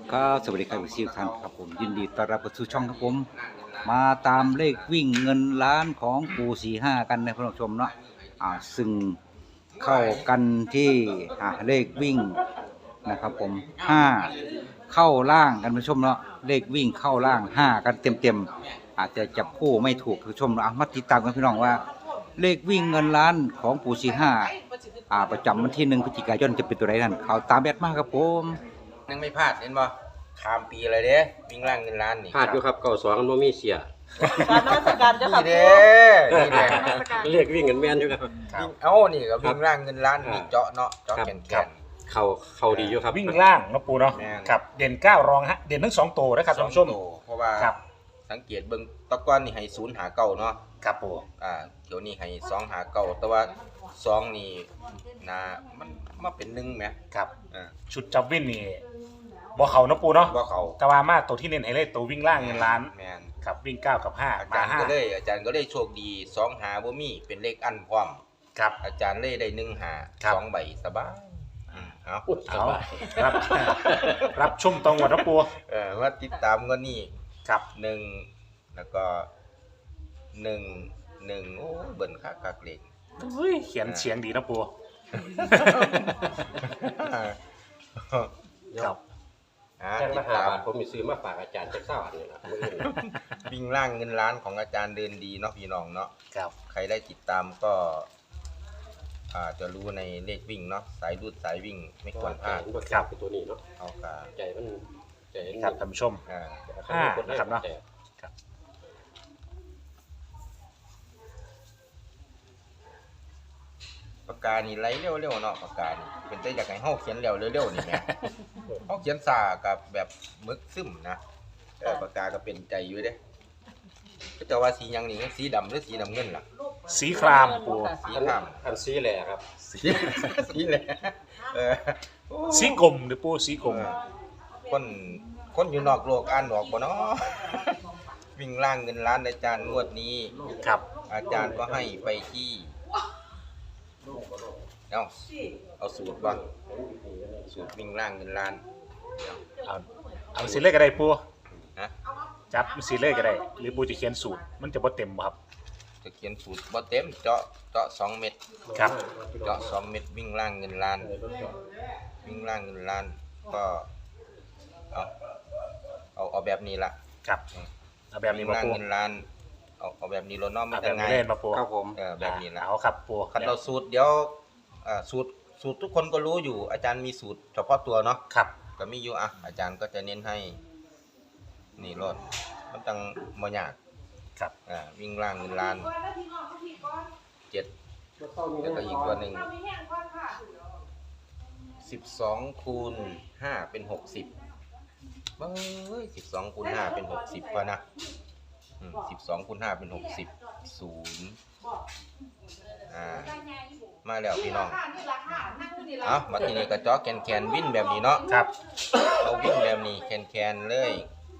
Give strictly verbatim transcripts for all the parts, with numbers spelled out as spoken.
ครับสวัสดีครับทุกท่านครับผมยินดีต้อนรับเข้าสู่ช่องครับผมมาตามเลขวิ่งเงินล้านของปู่สี่ห้ากันนะผู้ชมเนาะอ่าซึ่งเข้ากันที่อ่าเลขวิ่งนะครับผมห้าเข้าล่างกันผู้ชมเนาะเลขวิ่งเข้าล่างห้ากันเต็มเต็มอาจจะจับคู่ไม่ถูกผู้ชมเนาะมาติดตามกันพี่น้องว่า เลขวิ่งเงินล้านของปู่สี่ห้าอ่าประจำวันที่หนึ่งพฤศจิกายนจะเป็นตัวไหนนั่นเขาตามแบดมากครับผมยังไม่พลาดเห็นบ่ขามปีเลยเด้วิ่งล่างเงินล้านนี่พลาดอยู่ครับเก้าสองมันบ่มีเสียการนมัสการเจ้าค่ะนี่เด้นี่เด้เรียกวิ่งกันแม่นอยู่ครับวิ่งเอ้านี่ก็วิ่งล่างเงินล้านมีเจาะเนาะเจาะแขนแขนเขาเขาดีอยู่ครับวิ่งล่างเนาะปูเนาะแม่นครับเด่นเก้ารองฮะเด่นทั้งสองตัวนะครับสท่าอน งผู้ชมโตเพราะว่าครับสังเกตเบิ่งตะก้อนนี่ให้ศูนย์หาเก้าเนาะครับปูอ่าเดี๋ยวนี้ให้สองหาเก้าแต่ว่าสองนี่นะมันมาเป็นหนึ่งแหมครับอ่าชุดจับวิ่งนี่บ่เขาเนาะปูเนาะบ่เขาแต่ว่ามาตัวที่เน้นให้เลยตัววิ่งล่างเงินล้านแม่นครับวิ่งเก้ากับห้าอามาจารย์ห้าก็เลยอาจารย์ก็เลยโชคดีสองหาบ่มีเป็นเลขอันพร้อมครับอาจารย์เลยได้หนึ่งหาครับสองใบสบายอืมเอาอุ๊ยสเอาบายรับ รับชุ่มตรงหมดนะปูเออว่าติดตามก็นี่ครับหนึ่งแล้วก็หนึ่งหนึ่งโอ้เบิ่นคักคักเล็กอุ้ยเขียนเสียงดีนะปูครับอ่าแจ้งติมาดหาตามบาทผมมีซื้อมาฝากอาจารย์จักเศร้าอันนี้ล่ะมื้ออื่นน่ะวิ่งล่างเงินล้านของอาจารย์เดินดีเนาะพี่น้องเนาะครับใครได้ติดตามก็อ่าจะรู้ในเลขวิ่งเนาะสายรูดสายวิ่งไม่ควรพลาดมันบ่ครับตัวนี้เนาะเอากาใจมันใจมันครับท่านผู้ชมอ่าห้านะครับเนาะปากกานี่ไหลเร็วๆเนาะปากกานี่เป็นแต่อยากให้เฮาเขียนเร็วเร็วๆนี่แหม เฮาเขียนซ่ากับแบบมึกซึมนะเออปากกาก็เป็นใจอยู่เด้ก็จะว่าสีหยังนี่สีดำหรือสีน้ำเงินล่ะสีครามปูสีอันข้ามอันซีแหละครับสีสีแหละเออโอ้สีกลมหรือปูสีกลมเออคนคนอยู่นอกโลกอ่านออกบ่เนาะ วิ่งล่างเงินล้านอาจารย์งวดนี้ครับอาจารย์ก็ให้ไปที่เอาเอาสูตรบ่สูตรวิ่งล่างเงินล้านเอาเอาสีเลขก็ได้ปูฮะจับสีเลขก็ได้ หรือปูจะเขียนสูตรมันจะบ่เต็มบ่ครับจะเขียนสูตรบ่เต็มเจาะเจาะสองเม็ดครับเจาะสองเม็ดวิ่งล่างเงินล้าน วิ่งล่างเงินล้านก็เอาเอาเอาแบบนี้ละครับเอาแบบนี้วิ่งมาล่างปูเงินล้านเอาเอาแบบนี้โลน้อมมัเอานแบจะบง่านี้ยเล่นมาปูครับผมเออแบบนี้ละเอาครับปูคันเราสูตรเดี๋ยวอ่าสูตรสูตรทุกคนก็รู้อยู่ อาจารย์มีสูตรเฉพาะตัวเนาะครับก็มีอยู่อ่ะอาจารย์ก็จะเน้นให้ นี่รถมันตั้งบ่ยากครับอ่าวิ่งล่างเงินล้านเจ็ดแล้วก็อีกตัวหนึ่งสิบสองคูณห้าเป็นหกสิบเฮ้ยสิบสองคูณห้าเป็นหกสิบป่ะนะสิบสองคูณห้าเป็นหกสิบศูนย์อ่ามาแล้วพี่น้องเอามาทีนี้ก็เจาะแคนแคนวิ่นแบบนี้เนาะครับเอาวิ่นแบบนี้แคนแคนเลย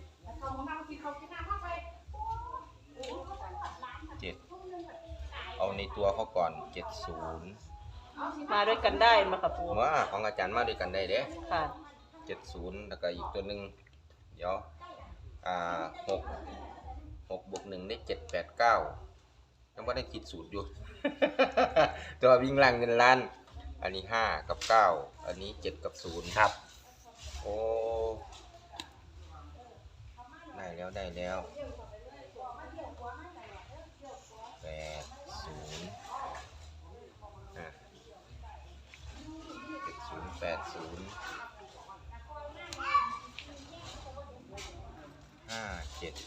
เจ็ดเอาในตัวเขาก่อนเจ็ดศูนย์มาด้วยกันได้มากับปูว่าของอาจารย์มาด้วยกันได้เด้ค่ะเจ็ดศูนย์แล้วก็อีกตัวหนึ่งเดี๋ยวอ่าหกหกบวกหนึ่งได้เจ็ดแปดเก้ายังไม่ได้คิดสูตรอยู่ ตัววิ่งล่างเงินล้าน อันนี้ห้ากับเก้าอันนี้เจ็ดกับศูนย์ครับโอ้ได้แล้วได้แล้วแปดศูนย์อ่ะเจ็ดศูนย์แปดศูนย์ห้าเจ็ด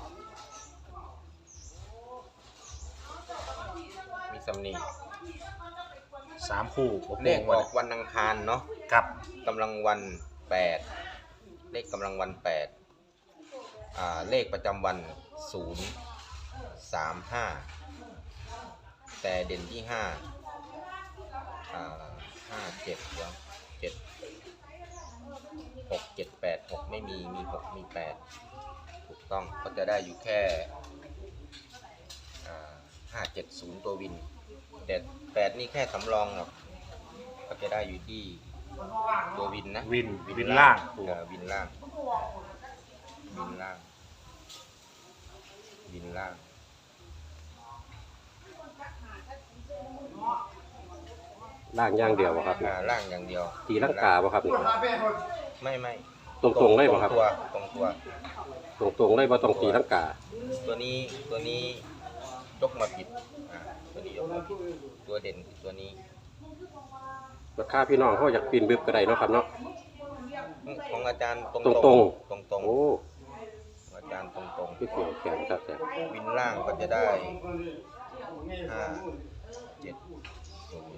มีสำนีสามคู่ผมเลขออกวันอังคารเนาะครับกำลังวันแปดเลขกำลังวันแปดอ่าเลขประจำวันศูนย์สามห้าแต่เด่นที่ห้าอ่าห้าเจ็ดเดี๋ยวเจ็ดหกเจ็ดแปดหกไม่มีมีหกมีแปดถูกต้องก็จะได้อยู่แค่อ่าห้าเจ็ดศูนย์ตัววินแต่แปดนี่แค่สำรองหรอกก็จะได้อยู่ที่ตัววินนะวินวินล่างปูเออวินล่างบินล่างบินล่างล่างอย่างเดียวบ่ครับอ่าล่างอย่างเดียวตีลังกาบ่ครับนี่ไม่ไม่ตรงๆเลยบ่ครับตรงตัวตรงตัวตรงๆเลยบ่ต้องตีลังกาตัวนี้ตัวนี้ยกมาผิดอ่าตัวนี้ยกมาผิดตัวเด่นคือตัวนี้ราคาพี่น้องเขาอยากปีนบึบก็ได้เนาะครับเนาะของอาจารย์ตรงตรงตรงๆตรงตรงโอ้ของอาจารย์ตรงตรงพี่เขียวแขนครับแต่วินล่างก็จะได้ห้าเจ็ดศูนย์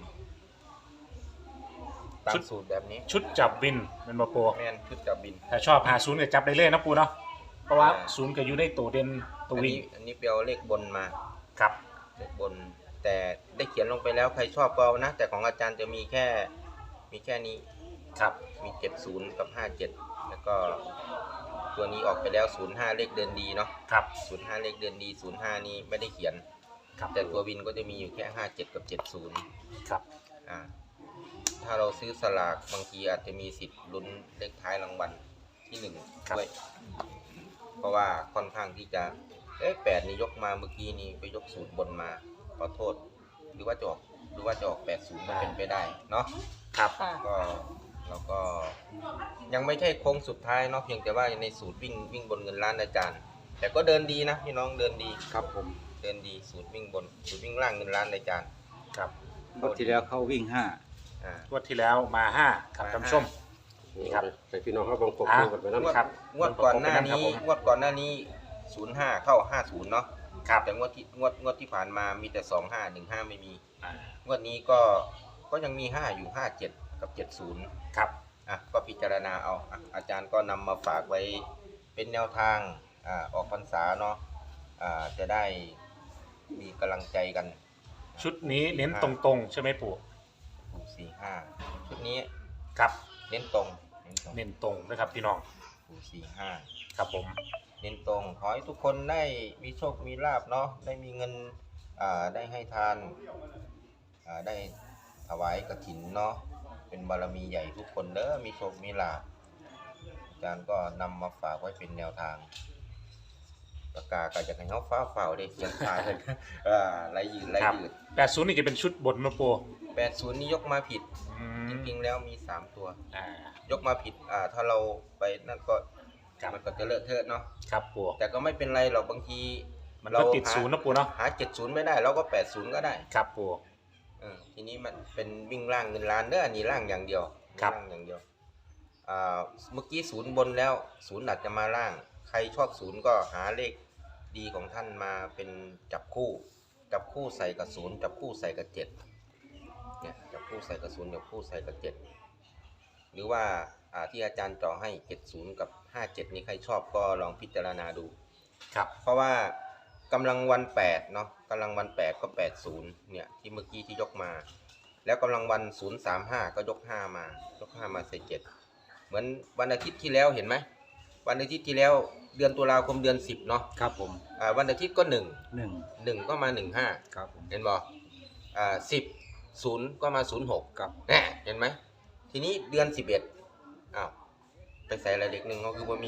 ตามสูตรแบบนี้ชุดจับวินแมันบ่ปูแม่นชุดจับบินถ้าชอบหาศูนย์ก็จับได้เลยนะปูเนาะเพราะว่าอ่าศูนย์ก็อยู่ในตัวเด่นตัวอันวิ่งนี้อันนี้เปียวเลขบนมาครับเลขบน แต่ได้เขียนลงไปแล้วใครชอบก็เอานะ แต่ของอาจารย์จะมีแค่มีแค่นี้ครับมีเจ็ดศูนย์กับห้าเจ็ดแล้วก็ตัวนี้ออกไปแล้วศูนย์ห้าเลขเดินดีเนาะครับศูนย์ห้าเลขเดินดีศูนย์ห้านี้ไม่ได้เขียนครับแต่ตัววินก็จะมีอยู่แค่ห้าเจ็ดกับเจ็ดศูนย์ครับอ่าถ้าเราซื้อสลากบางทีอาจจะมีสิทธิ์ลุ้นเลขท้ายรางวัลที่หนึ่งด้วยเพราะว่าค่อนข้างที่จะเอ๊ะแปดนี่ยกมาเมื่อกี้นี่ไปยกศูนย์บนมาขอโทษหรือว่าจะออกหรือว่าจะออกแปดศูนย์เป็นไปได้เนาะครับค่ะก็เราก็ยังไม่ใช่โค้งสุดท้ายเนาะเพียงแต่ว่าในสูตรวิ่งวิ่งบนเงินล้านอาจารย์ แต่ก็เดินดีนะพี่น้องเดินดีครับผมเดินดีสูตรวิ่งบนสูตรวิ่งล่างเงินล้านอาจารย์ครับงวดที่แล้วเขาวิ่งห้าอ่างวดที่แล้วมาห้าครับท่านผู้ชม นี่ครับให้พี่น้องเขาบังกบอ่ะดูกันไปนำงวดครับงวดก่อนหน้านี้ครับผมงวดก่อนหน้านี้ศูนย์ห้าเข้าห้าศูนย์เนาะครับแต่งวดที่งวดงวดที่ผ่านมามีแต่สองห้าหนึ่งห้าไม่มีอ่างวดนี้ก็ก็ยังมีห้าอยู่ห้าเจ็ดกับเจ็ดศูนย์ครับอ่ะก็พิจารณาเอาอ่ะอาจารย์ก็นำมาฝากไว้เป็นแนวทางอ่าออกพรรษาเนาะอ่าจะได้มีกำลังใจกันชุดนี้เน้นตรงๆ ใช่ไหมปู่ปูสี่ห้าชุดนี้ครับเน้นตรงเน้นตรงเน้นตรงนะครับพี่น้องปูสี่ห้าครับผมเน้นตรงขอให้ทุกคนได้มีโชคมีลาบเนาะได้มีเงินอ่าได้ให้ทานอ่าได้ถวายกฐินเนาะเป็นบารมีใหญ่ทุกคนเด้อมีโชคมีลาบอาจารย์ก็นำมาฝากไว้เป็นแนวทางปากกาก็จะให้เขาฟ้าเฝ้าได้เขียนทายเลย อ่าไรยืดไรครับยืดแปดศูนย์นี่จะเป็นชุดบนนะปู่แปดศูนย์นี่ยกมาผิดอืจมริงๆแล้วมีสามตัวอ่ายกมาผิดอ่าถ้าเราไปนั่นก็ครับมันก็จะเลอะเทอะเนาะครับปู่แต่ก็ไม่เป็นไรหรอกบางทีมันก็ติดศูนย์นะปู่เนาะหาเจ็ดศูนย์ไม่ได้เราก็แปดศูนย์ก็ได้ครับปู่เออทีนี้มันเป็นวิ่งล่างเงินล้านเด้ออันนี้ล่างอย่างเดียวครับล่างอย่างเดียวอ่าเมื่อกี้ศูนย์บนแล้วศูนย์อาจจะมาล่าง ใครชอบศูนย์ก็หาเลขดีของท่านมาเป็นจับคู่ จับคู่ใส่กับศูนย์จับคู่ใส่กับเจ็ดเนี่ยจับคู่ใส่กับศูนย์จับคู่ใส่กับเจ็ดหรือว่าอ่าที่อาจารย์เจ่อให้เจ็ดศูนย์กับห้าเจ็ดนี้ใครชอบก็ลองพิจารณาดูครับเพราะว่ากำลังวันแปดเนาะกำลังวันแปดก็แปดศูนย์เนี่ยที่เมื่อกี้ที่ยกมา แล้วกำลังวันศูนย์สามห้าก็ยกห้ามายกห้ามาใส่เจ็ดเหมือนวันอาทิตย์ที่แล้วเห็นไหมวันอาทิตย์ที่แล้วเดือนตุลาคมเดือนสิบเนาะครับผมอ่าวันอาทิตย์ก็หนึ่งหนึ่งหนึ่งก็มาหนึ่งห้าครับผมเห็นบ่อ่าสิบศูนย์ก็มาศูนย์หกครับแน่เห็นไหมทีนี้เดือนสิบเอ็ดอ้าวไปใส่อะไรเด็กหนึ่งก็คือบ่มี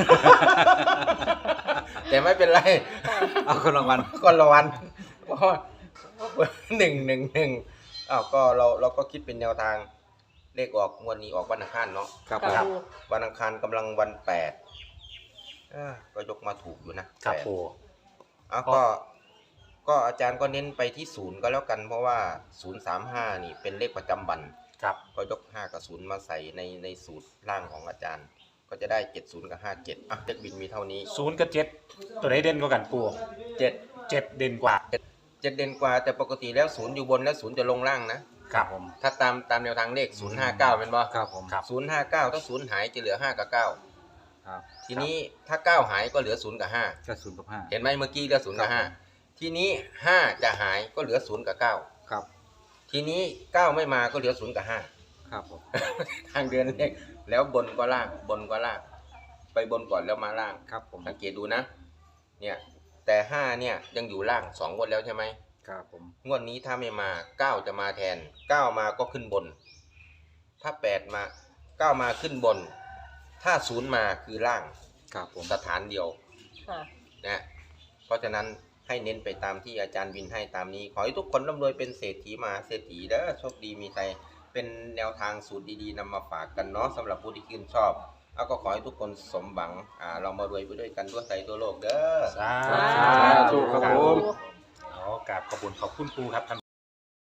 แต่ไม่เป็นไรเอาคนรางวัลก็ละวันเพราะว่าหนึ่งหนึ่งหนึ่งอ้าวก็เราเราก็คิดเป็นแนวทางเลขออกงวดนี้ออกวันอังคารเนาะครับค่ะผมปูวันอังคารกำลังวันแปดอ่าก็ยกมาถูกอยู่นะครับ แปดปู่อ้าวก็ก็อาจารย์ก็เน้นไปที่ศูนย์ก็แล้วกันเพราะว่าศูนย์สามห้านี่เป็นเลขประจำวันครับก็ยกห้ากับศูนย์มาใส่ในในสูตรล่างของอาจารย์ ก็จะได้เจ็ดศูนย์กับห้าเจ็ดอ่ะเลขบินมีเท่านี้ศูนย์กับเจ็ดตัวไหนเด่นกว่ากันปู่เจ็ดเจ็ดเด่นกว่าเจ็ดเด่นกว่าแต่ปกติแล้วศูนย์อยู่บนแล้วศูนย์จะลงล่างนะครับผมถ้าตามตามแนวทางเลขศูนย์ห้าเก้าเป็นบ่ครับผมครับศูนย์ห้าเก้าถ้าศูนย์หายจะเหลือห้ากับเก้าครับทีนี้ถ้าเก้าหายก็เหลือศูนย์กับห้าก็ศูนย์กับห้าเห็นไหมเมื่อกี้เหลือศูนย์กับครัห้าบทีนี้ห้าจะหายก็เหลือศูนย์กับเก้าครับทีนี้เก้าไม่มาก็เหลือศูนย์กับห้าครับผมทางเดินเลขแล้วบนก็ล่างบนก็ล่าง ไปบนก่อนแล้วมาล่างครับผมสังเกตดูนะ เนี่ยแต่ห้าเนี่ยยังอยู่ล่างสองงวดแล้วใช่ไหมครับผมงวดนี้ถ้าไม่มาเก้าจะมาแทนเก้ามาก็ขึ้นบน ถ้าแปดมาเก้ามาขึ้นบน ถ้าศูนย์มาคือล่างครับผมสถานเดียวค่ะนะเพราะฉะนั้นให้เน้นไปตามที่อาจารย์วินให้ตามนี้ ขอให้ทุกคนร่ำรวยเป็นเศรษฐีมหาเศรษฐีเด้อโชคดีมีใจเป็นแนวทางสูตรดีๆนำมาฝากกันเนาะสำหรับผู้ที่ชื่นชอบแล้วก็ขอให้ทุกคนสมหวังอ่าเรามารวยไปด้วยกันทั่วไทยทั่วโลกเด้อสาสาธุครับผมเอากราบขอบคุณขอบคุณปูครับ